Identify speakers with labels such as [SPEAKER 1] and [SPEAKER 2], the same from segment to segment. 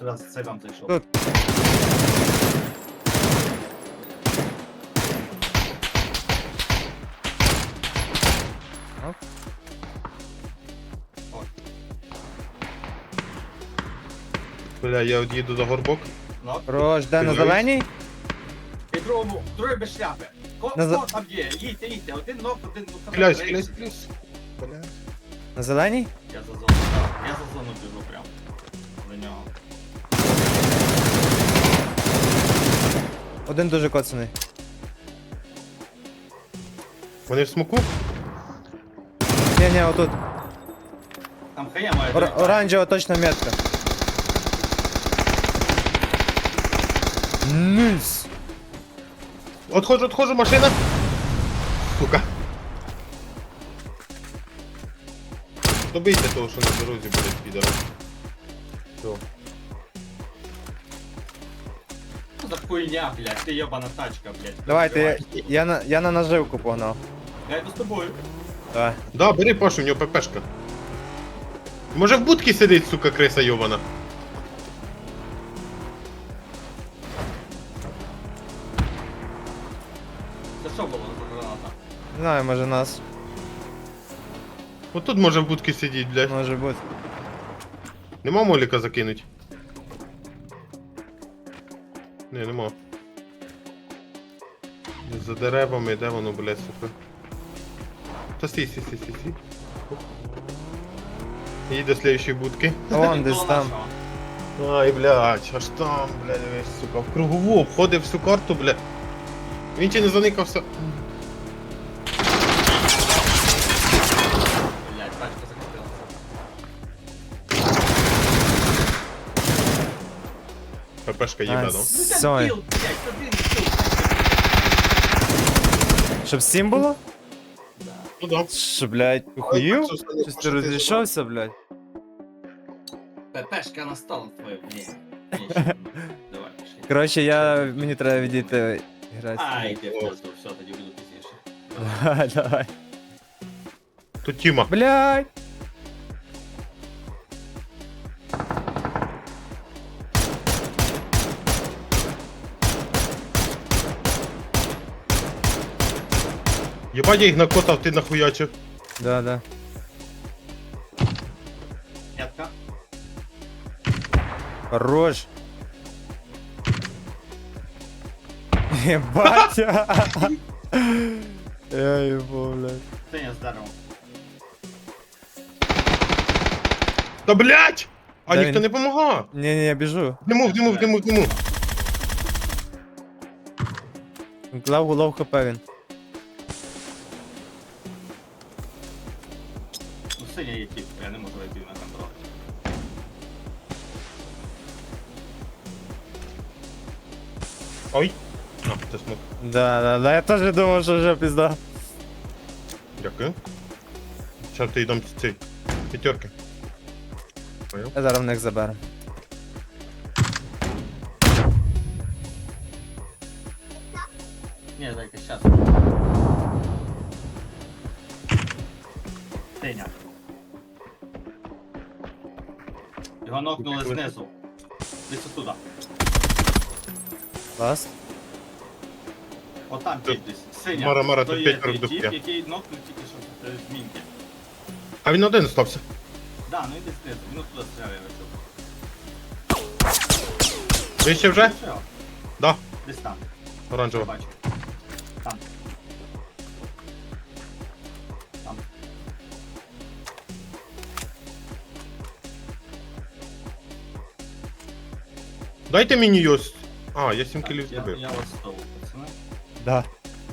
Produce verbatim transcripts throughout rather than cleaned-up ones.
[SPEAKER 1] сюди, це вам зайшов.
[SPEAKER 2] Тут. Оп.
[SPEAKER 3] Бля, я от їду до горбок.
[SPEAKER 1] Ну,
[SPEAKER 2] Рож, де на
[SPEAKER 3] Ти
[SPEAKER 2] зеленій?
[SPEAKER 1] і другому, другий без шляпи. Ко,
[SPEAKER 2] На за-
[SPEAKER 1] ко там є? Їдьте, їдьте, один ног, один ног.
[SPEAKER 3] Клясь, клясь, клясь. Бля.
[SPEAKER 2] На зеленій?
[SPEAKER 1] Я за зону, так, я за зону біжу прям. До нього.
[SPEAKER 2] Один дуже коцаний.
[SPEAKER 3] Вони в смоку?
[SPEAKER 2] Ні, ні, отут.
[SPEAKER 1] Там хая має.
[SPEAKER 2] Ор- оранжева точно метка. Низ.
[SPEAKER 3] Отходжу, отходжу, машина. Сука. Добийте того, що на дорозі буде підора. Все.
[SPEAKER 1] Що за хуйня, блядь, ти йобана тачка, блядь.
[SPEAKER 2] Давайте, я, я, на, я на наживку погнав.
[SPEAKER 1] Я йду з тобою.
[SPEAKER 2] Давай.
[SPEAKER 3] Да, бери Пашу, у нього ППшка. Може в будці сидить, сука, криса йобана.
[SPEAKER 1] Це що було за граната?
[SPEAKER 2] Не знаю, може нас.
[SPEAKER 3] От тут може в будці сидіть, блядь.
[SPEAKER 2] Може бути.
[SPEAKER 3] Нема моліка закинуть? Не, нема. За деревами, де воно, блядь, сука? Та стій, стій, стій, стій, стій. Їде до слідчої будки.
[SPEAKER 2] Вон десь
[SPEAKER 1] Коло
[SPEAKER 2] там.
[SPEAKER 1] нашого.
[SPEAKER 3] Ай, блядь, аж там, блядь, весь, сука, в кругову обходив всю карту, блядь. Він чи не заникався.
[SPEAKER 1] Блядь, тачка закрутилася.
[SPEAKER 3] ППшка їде,
[SPEAKER 2] А,
[SPEAKER 3] ну?
[SPEAKER 1] Ну
[SPEAKER 2] Сой.
[SPEAKER 1] там кіл, блядь, один кіл.
[SPEAKER 2] Щоб сім було?
[SPEAKER 3] Ну да.
[SPEAKER 2] Що, блядь, ухуїв? Щось ти розійшовся, блядь?
[SPEAKER 1] ППшка настала твою, блядь. Нічого. Давай, пішли.
[SPEAKER 2] Коротше, я... мені треба відійти грати.
[SPEAKER 1] Ай, ти в пизду, все, тоді буду пізніше.
[SPEAKER 2] Давай, давай.
[SPEAKER 3] Тут Тіма.
[SPEAKER 2] Блядь!
[SPEAKER 3] Єбать, я їх накотав, ти нахуячив.
[SPEAKER 2] Да, да.
[SPEAKER 1] П'ятка.
[SPEAKER 2] Хорош. Ебать. Я ебу, блядь.
[SPEAKER 1] Сеня здорово.
[SPEAKER 3] Та блядь! А
[SPEAKER 2] Да
[SPEAKER 3] ніхто
[SPEAKER 2] він-
[SPEAKER 3] не помагав.
[SPEAKER 2] Не-не, я біжу.
[SPEAKER 3] В диму, в диму, в диму, в диму.
[SPEAKER 2] Лав лов хп він.
[SPEAKER 1] Ну, Сеня є тип, я не можу вийти на контроль.
[SPEAKER 3] Ой. А, це смок.
[SPEAKER 2] Да, да, да, я теж думав, що вже пізда.
[SPEAKER 3] Дякую. Зараз ти йдем цей. П'ятерки. Понял?
[SPEAKER 2] Я зараз в них заберу.
[SPEAKER 1] Ні, дайте, щас. Сеня. Його нокнули знизу. Десь отуда.
[SPEAKER 2] Клас.
[SPEAKER 1] Отам тип десь. Сеня.
[SPEAKER 3] Мара, Мара,
[SPEAKER 1] то
[SPEAKER 3] тут
[SPEAKER 1] є
[SPEAKER 3] п'ять
[SPEAKER 1] той
[SPEAKER 3] продуктів.
[SPEAKER 1] тип, який нокнув тільки що е, з мінки.
[SPEAKER 3] А він один остався.
[SPEAKER 1] Да, ну іди знизу, він оттуда стріляє вечок.
[SPEAKER 3] Вище вже? Да.
[SPEAKER 1] Десь там.
[SPEAKER 3] Оранжева.
[SPEAKER 1] Бачу. Там. Там.
[SPEAKER 3] Дайте мені йос. А, я сім
[SPEAKER 1] Так,
[SPEAKER 3] кілів
[SPEAKER 1] я,
[SPEAKER 3] зробив.
[SPEAKER 1] я вас стову, пацани.
[SPEAKER 2] Да.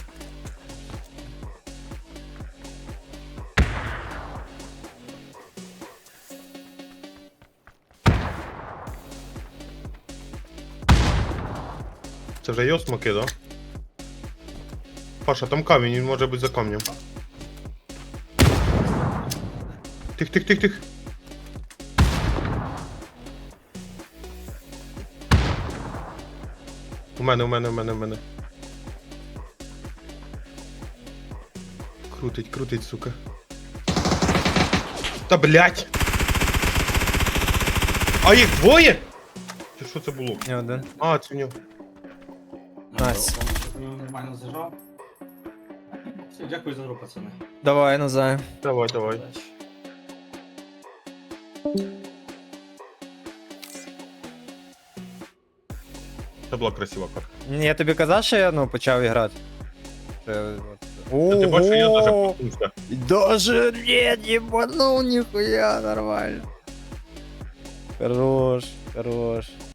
[SPEAKER 3] Це вже йос смоки, да? Паша, там камінь, він може бути за камнем. Тих, тих, тих, тих. У мене, у мене, у мене, у мене. Крутить, крутить, сука. Та блять! А їх двоє? Ти що це було?
[SPEAKER 2] Ні, один.
[SPEAKER 3] А, це в нього.
[SPEAKER 2] Найс.
[SPEAKER 1] Я нормально зажав. Все, дякую за гру, пацани.
[SPEAKER 2] Давай, Назай.
[SPEAKER 3] Давай, давай.
[SPEAKER 1] Удачі.
[SPEAKER 3] Це була красива карта.
[SPEAKER 2] Ні, я тобі казав, що я ну, почав грати.
[SPEAKER 3] Та ти бачиш, я даже
[SPEAKER 2] Ого!
[SPEAKER 3] проснувся.
[SPEAKER 2] Даже нет, ебанул, нихуя, нормально. Хорош, хорош.